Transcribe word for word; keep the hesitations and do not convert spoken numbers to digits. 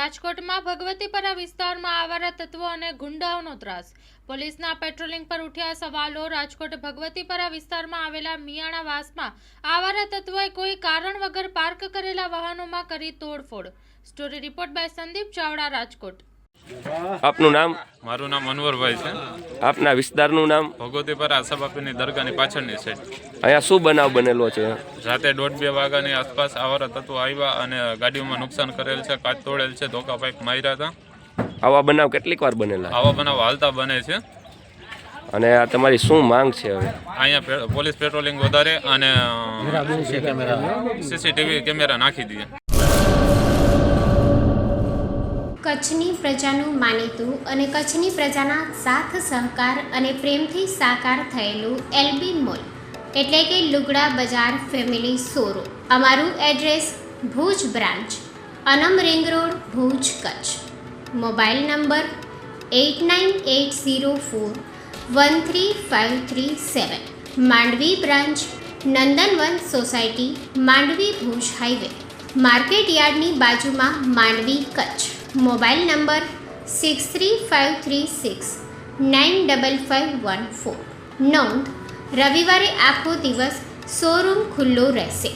રાજકોટમાં ભગવતીપરા વિસ્તારમાં આવારા તત્વો અને ગુંડાઓનો ત્રાસ. પોલીસના પેટ્રોલિંગ પર ઉઠ્યા સવાલો. રાજકોટ ભગવતીપરા વિસ્તારમાં આવેલા મિયાણાવાસમાં આવારા તત્વોએ કોઈ કારણ વગર પાર્ક કરેલા વાહનોમાં કરી તોડફોડ. Story report by Sandeep Chavda, Rajkot. આપનું નામ? મારું નામ અનવરભાઈ છે. આપના વિસ્તારનું નામ? ભગવતીપરા આશાબાપીની દરગાહની પાછળની સાઈડ. અહીંયા શું બનાવ બનેલો છે? રાતે દોઢ બે વાગ્યાની આસપાસ આવારા તત્વો આવ્યા અને ગાડીઓમાં નુકસાન કરેલ છે, કાચ તોડેલ છે, ધોકા પાઇપ માર્યા હતા. આવા બનાવ કેટલીક વાર બનેલા? આવા બનાવ હાલતા બને છે. અને આ તમારી શું માંગ છે હવે? અહીંયા પોલીસ પેટ્રોલિંગ વધારે અને સીસીટીવી કેમેરા નાખી દઈએ. કચ્છની પ્રજાનું માનીતું અને કચ્છની પ્રજાના સાથ સહકાર અને પ્રેમથી સાકાર થયેલું એલબી મોલ એટલે કે લુગડા બજાર ફેમિલી શોરૂમ. અમારું address Bhuj branch, Anam ring road, Bhuj, Kutch. Mobile number eight nine eight zero four one three five three seven. Mandvi branch, Nandanvan society, Mandvi, Bhuj highway, market યાર્ડની બાજુમાં, Mandvi, Kutch. Mobile number six three five three six nine double five one four. નોંધ: રવિવારે આખો દિવસ showroom ખુલ્લો રહેશે.